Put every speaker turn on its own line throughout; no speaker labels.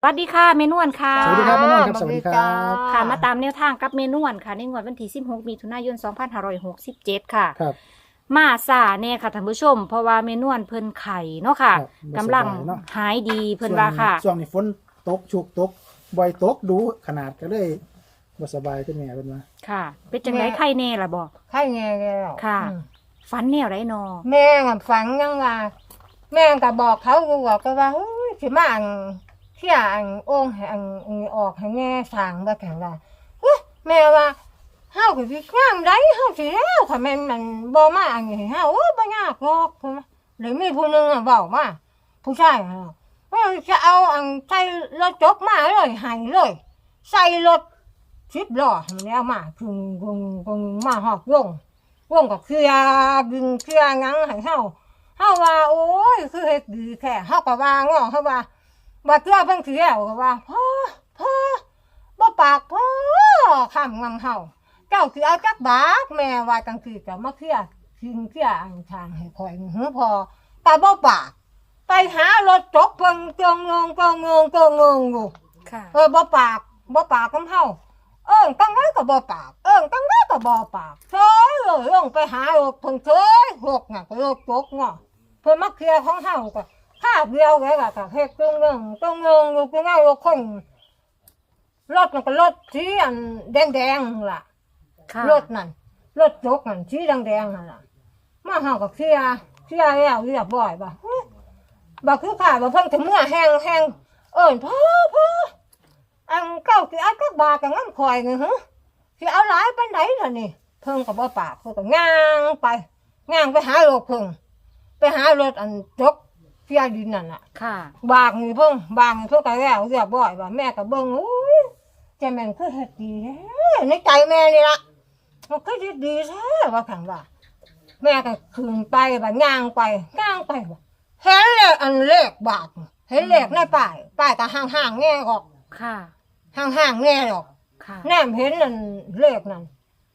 วัสดีค่ะเมนวนค่ะ
สวัสดีครับแม่นวลครับสวัสดีครับ
ค่ะมาตามแนวทางกับเมนวนค่ะในงวดวันที่16มิถุนายน2567ค่ะ
ครับ
มาซาแน่ค่ะท่านผู้ชม เพราะว่าเมนวนเพิ่นไข่เนาะค่ะ
ครับบ่
กำลัง
สบายเนาะ
หายดีเพิ่นว่าค่ะ
ช่วงนี้ฝนตกชุกตกบ่อยตกดูขนาดก็เลยบ่สบายขึ้นแม่เพิ่นว่า
ค่ะ เป็นจังไดไข่แน่ล่ะบ่
ไข่แง่แล้ว
ค่ะ
อืม
ฝันแนวไดนอ
แม่กับฝังยังว่าแม่ก็บอกเขาอยู่บอกก็ว่าเฮ้ยสิมาอันเที่ยอันโอ่งให้อันออกให้แง่สร้างบ่แข็งว่าเฮ้ยแม่ว่าเฮาก็สิงามได้เฮาสิแล้วค่ะแม่นมันบ่มาอันนี้ให้เฮาโอ้ยบ่ยากหรอกเพิ่นว่าหรือมีผู้หนึงอ่ะเว้ามาผู้ชายอ่ะว่าจะเอาอันใส่รถจกมาเลยให้เลยใส่รถ10ล้อให้มันเอามาพึงมาฮอดวงก็เคลียร์ดึงเคลียร์หยังให้เฮาว่าโอ้ยคือเฮ็ดดีแท้เฮาก็ว่าง้อเฮาว่าบ่เทื่อเพิ่นสิแล้วก็ว่าพ่อบ่ปากพ่อคำงำเฮาเจ้าสิเอาจักบาทแม่ว่าจังซี่ก็มาเคลียร์เคลียร์อันทางให้ข่อยหือพอแต่บ่ปากไปหารถจกเพิ่นก็งงอยู่
ค่ะ
บ่ปากกับเฮาตั้งไว้ก็บ่ปากตั้งไว้ก็บ่ปากเฉยเลยลงไปหารถเพิ่นเฉยหกน่ะก็รถจกเนาะเพิ่นมาเคลียร์ของเฮาก็ค่าเดียวไว้ก็เฮ็ดตึงอยู่คือไงรถคนรถมันก็รถสีอันแดงๆล่ะ
ค่ะ
รถนั่นรถจกนั่นสีแดงๆนั่นล่ะมาเฮาก็เคลียร์แล้วเรียบร้อยบ่บ่คือข้าบ่เพิ่นถึงเมื่อแห้งพ่ออันเก้าสิเอาจักบาทก็งั้นข่อยนี่หึสิเอาหลายปานใดล่ะนี่เพิ่นก็บ่ปากเพิ่นก็ย่างไปหารถเพิ่นไปหารถอันจกเสียดินนั่นน่ะ
ค่ะ
บางนี่เพิ่นก็แล้วเรียบร้อยว่าแม่ก็เบิ่งโอ้ยใจแม่นคือเฮ็ดดีแท้ในใจแม่นี่ล่ะมันคือเฮ็ดดีแท้ว่าคั่นว่าแม่ก็ขึ้นไปว่าย่างไปว่าเห็นเลขอันเลขบาทเห็นเลขในป้ายก็ห่างๆแง่ออก
ค่ะ
ห่างๆแง่ออก
ค่ะ
แนมเห็นนั่นเลขนั่น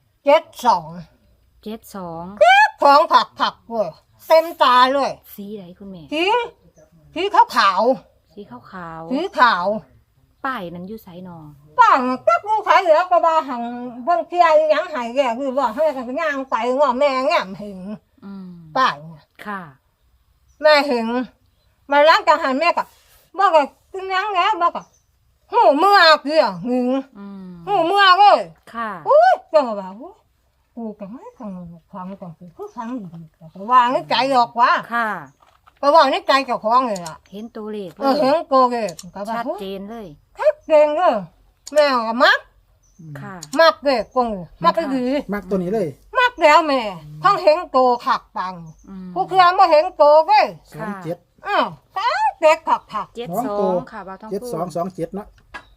72
72
ของผักเว้ยเต็มตาเลย
สีใดคุณแม่
สีขาว
สีขาว
สีขาว
ๆป้ายนั้นอยู่ไสนอ
ป้าจักลูกขายเหลือก็บ่าหังเบิ่งเที่ยหยังให้แกคือว่าให้กันย่างไปง้อแม่แง้มเห็น
อืม
ป้า
ค่ะ
แม่เห็นมาล้างจังหันแม่ก็บ่ก็กินหยังแล้วบ่ก็หูเมื่อเกี่ยหึง
อืม
หูเมื่อเลย
ค่ะ
อุ้ยจังว่าอุ้ยกูก็ไม่ฟังฟังจังคือฟังดีก็ว่าในใจดอกว่า
ค่ะ
ก็ว่าในใจเจ้าของเลยล่ะ
เห็นตัวเลข
เห็นโกเกก็ว่า
ชัดเจนเลย
คักเก่งเด้อแม่ก็มัก
ค่ะ
มักเด้กงมักก็ดี
มักตัวนี้เลย
มักแล้วแม่ทั้งเห็นโตขักปัง
อืม
ผู้เครือบ่เห็นโตเด้
ค่ะ
27
อ้าวตั้งเด็กขัก
72ค่ะบ่าวทองพูด
7227เนาะ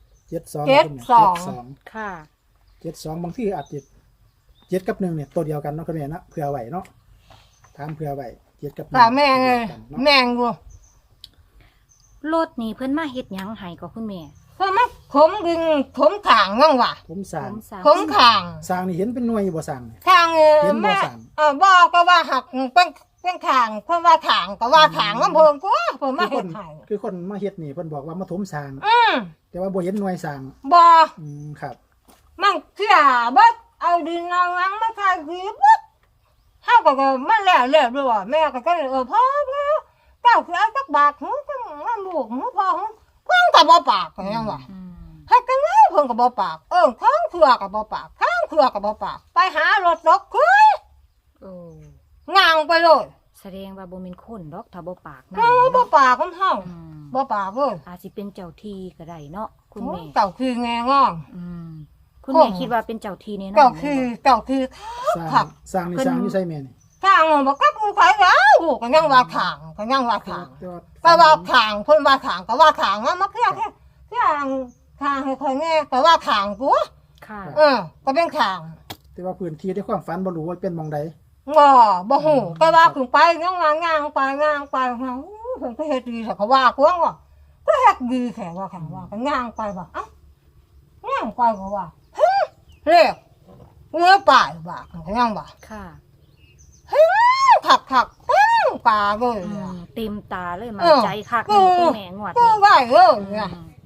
72
ค่ะ
72บางทีอาจจะ7กับ1เนี่ยตัวเดียวกันเนาะคุณแม่เนาะเผื่อไว้เนาะถามเผื่อไว้7กับ1
แต่แม่ไง
ตัวดียวกันเนาะ
แม่งอยู่
รถนี่เพิ่นมาเฮ็ดหยังให้ก็คุณแม่
เพราะมันขมดึงขมขางว่างว่ะ
ผมสร้าง
สาม
ขมขาง
สร้างนี่เห็นเป็นหน่วยอยู่บ่สร้างนี่
ขาง
เห็นบ่
แม่
สั่ง
บอกก็ว่าหักเป็นขางเพราะว่าขางก็ว่าขางมันเพิ่มกว่าเพิ่มมา
คือค
เฮ็
น
ดให้
คือคนมาเฮ็ดนี่เพิ่นบอกว่ามาถมสร้าง
ม
แต่ว่าบ่เห็นหน่วยสร้าง
บ่
ครับ
มันเสียเบิดเอาดินเอาหยังมาใส่ผีเบิดเฮาก็มันแล้วด้วยว่าแม่ก็เลยพ่อเจ้าคือเอาจักบาทหูจังว่าลูกหูพ่อหูเพิ่นก็บ่ปากก็ยังว่า
อืม
เฮ็ดจังไงเพิ่นก็บ่ปากข้างเครือก็บ่ปากข้างเครือก็บ่ปากไปหารถรถคุย
โอ้
ง่างไปเลย
แสดงว่าบ่แม่นคนดอกถ้าบ่ปากนั่น
บ่ปากของเฮา
อืม
บ่ปากเลย
อาจสิเป็นเจ้าที่ก็ได้เนาะคุณแม่
เจ้าคือแงงอง
อืมคุณแม่คิดว่าเป็นเจ้าที่แน่นอน
เจ้าคือ
สร้า
ผั
ง
ก
สร้างนี่สร้างอยู่ไสแม่นี่
ทางบ่กับกูไผแล้วลูกก็ยังว่าขางก็ยังว่าขาง
แต่ว่า
ก็ว่าขางเพิ่นว่าขางก็ว่าขางมาเคลียร์ขางให้ค่อยแน่ก็ว่าขางกู
ค่ะ
ก็เป็นขาง
แต่ว่าพื้นที่ในความฝันบ่รู้ว่าเป็นหม่องใด
บ่ฮู้ก็ว่าขึ้นไปยังว่างางไปเพิ่นก็เฮ็ดดีแต่ก็ว่ากวางว่าก็เฮ็ดดีแค่ว่าขางว่าก็งางไปว่าเอ้างางไปก็ว่าเรียกเงือป่ายว่าก็ยังว่า
ค่ะ
คักปลาเลย
อืมเต็มตาเลยมา
เออ
ใจคัก
เออ
คุณแม่งวด
ก็
นี้
ไหวเลย
อื
เนี่ย
ม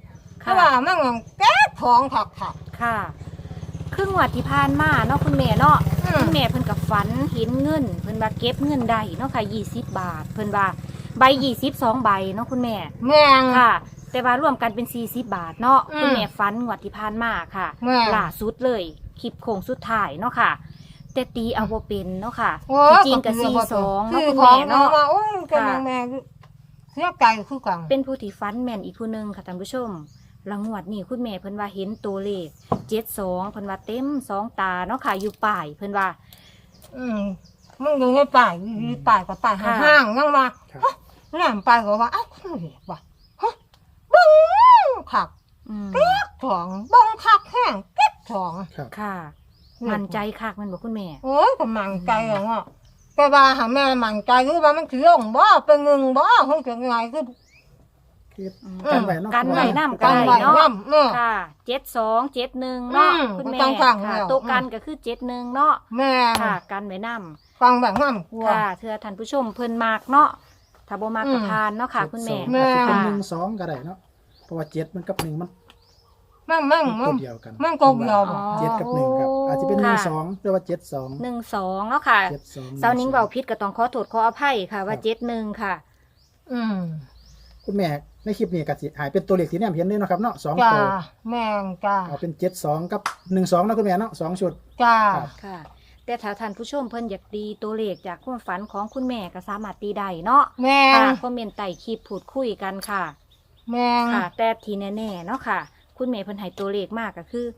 เพราะว่ามันแก้ของขัก
ค่ะครึ่งวัดที่ผ่านมาเนาะคุณแม่เนาะ
อืม
คุณแม่เพิ่นกับฝันเห็นเงินเพิ่นว่าเก็บเงินได้เนาะค่ะ20 บาท เพิ่นว่าใบ22ใบเนาะคุณแม่
แม่ง
ค่ะ แต่ว่ารวมกันเป็น40 บาทเนาะ
อืม
คุณแม่ฝันงวดที่ผ่านมาค่ะ
แม่
ล่าสุดเลยคลิปโค้งสุดท้ายเนาะค่ะ แต่ตีเอาบ่เป็นเนาะค่ะ
โอ้
ที่จริงก็42เนาะ
คือ
คุณ
ขอ
แม่
งเนาะ
เนาะ
ว่าโอ้ยกำลังแม่เสียใจคือกัน
เป็นผู้ที่ฝันแม่นอีกผู้หนึงค่ะท่านผู้ชมรางวัดนี้คุณแม่เพิ่นว่าเห็นตัวเลข72เพิ่นว่าเต็ม2ตาเนาะค่ะอยู่ป้ายเพิ่นว่า
มึงอยู่ในป่ายอยู่ป่ายกับป่าย
ค่ะ
ห่างๆยังมา
ครับ
แหลมไปก็ว่าเอ้าคือเด็กว่ะฮะบังคัก
อืม
ถองบังคักแห้งเก็บถอง
ครับ
ค่ะ มั่นใจคักแมันบอกคุณแม่
โอ้ยก็มั่นใจอย่างว่าแต่ว่าหาแม่มั่นใจหรือว่ามันคือลงบ่เป็นเงินบ่เฮ้ยจะไงคือ
คือ
อืม
กันไว้เนาะ
กันไว้นำ
กันไว้
เนาะ
น้ำเนาะ
ค่ะ72 71เนาะ
อืม
คุณแม่
ต้องฟัง
ค่ะ
แล้ว
ตัวกันก็คือ71เนาะ
แม่
ค่ะ กันไว้นำ
ฟังแบบน้ำกลัว
ค่ะเธอท่านผู้ชมเพิ่นมากเนาะถ้าบ่มากก็
อืม
ทานเนาะค่ะ คุณแม่
เจ็ดสองอาจจะเป็น
ค่ะ
1 2ก็ได้เนาะเพราะว่า7มันกับ1มัน
มั่ง
ตัวเดียวกัน
มันตัวเดียว
อ๋อ
เจ็ดกับ1ครับอาจจะเป็น
ค่ะ
1 2หรือว่า7 2
12เนาะค่ะ
7 2
เซานิ้งเว้าผิดก็ต้องขอโทษขออภัยค่ะว่า71ค่ะ
อืม
คุณแม่ในคลิปนี้ก็สิหายเป็นตัวเลขที่แนมเห็นเลยเนาะครับเนาะ2
จ้า
ตัว
แม่งจ้า
เอาเป็น72กับ12เนาะคุณแม่เนาะ2ชุด
จ้า
ครับ
ค่ะ แต่ถ้าท่านผู้ชมเพิ่นอยากตีตัวเลขจากความฝันของคุณแม่ก็สามารถตีได้เนาะ
แม่ง
ค่ะคอมเมนต์ใต้คลิปพูดคุยกันค่ะ
แม่ง
ค่ะ แต่ทีแน่ๆเนาะค่ะ คุณแม่เพิ่นให้ตัวเลขมากก็คือ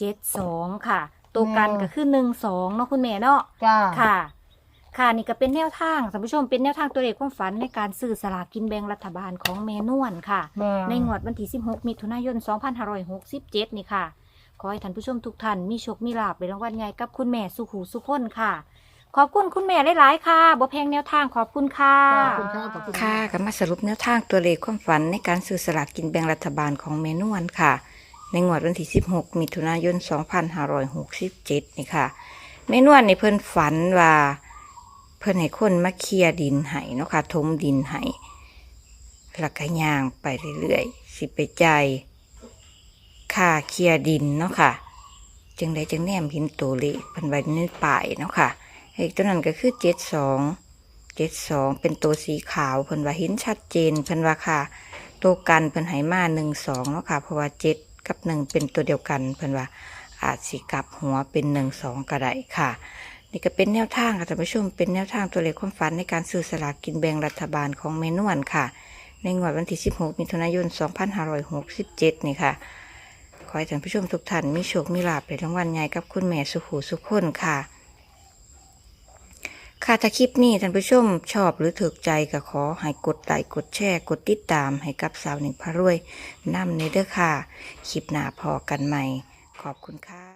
72ค่ะ ตัวกันก็คือ12เนาะคุณแม่เนาะ
จ้า
ค่ะ ค่ะนี่ก็เป็นแนวทางท่านผู้ชมเป็นแนวทางตัวเลขความฝันในการซื้อสลากกินแบ่งรัฐบาลของแม่นวลค่ะ
แม่ง
ในงวดวันที่16มิถุนายน2567นี่ค่ะ ขอให้ท่านผู้ชมทุกท่านมีโชคมีลาภในรางวัลใหญ่กับคุณแม่สุขหูสุขคนค่ะ ขอบคุณคุณแม่หลายๆค่ะบ่แพงแนวทางขอบคุณค่ะ
ขอบคุณครับขอบคุณครับ
ค่ะก็มาสรุปแนวทางตัวเลขความฝันในการซื้อสลากกินแบ่งรัฐบาลของแม่นวลค่ะ ในงวดวันที่16มิถุนายน2567นี่ค่ะแม่นวลในเพิ่นฝันว่าเพิ่นให้คนมาเคลียร์ดินให้เนาะค่ะถมดินให้แล้วก็ย่างไปเรื่อยๆสิไปจ่ายค่าเคลียร์ดินเนาะค่ะจึงได้จึงแนมเห็นตัวเลขเพิ่นไว้ในป้ายเนาะค่ะเลขตัวนั้นก็คือ72เป็นตัวสีขาวเพิ่นว่าเห็นชัดเจนเพิ่นว่าค่ะตัวกันเพิ่นให้มา12เนาะค่ะเพราะว่า7กับ1เป็นตัวเดียวกันเพิ่นว่าอาจสิกลับหัวเป็น12ก็ได้ค่ะนี่ก็เป็นแนวทางค่ะท่านผู้ชมเป็นแนวทางตัวเลขความฝันในการซื้อสลากกินแบ่งรัฐบาลของแม่นวลค่ะในงวดวันที่16มิถุนายน2567นี่ค่ะขอให้ท่านผู้ชมทุกท่านมีโชคมีลาภในรางวัลใหญ่กับคุณแม่สุขหูสุขคนค่ะค่ะถ้าคลิปนี้ท่านผู้ชมชอบหรือถูกใจก็ขอให้กดไลค์กดแชร์กดติดตามให้กับสาวหนึ่งพารวยนำในเด้อค่ะคลิปหน้าพอกันใหม่ขอบคุณค่ะ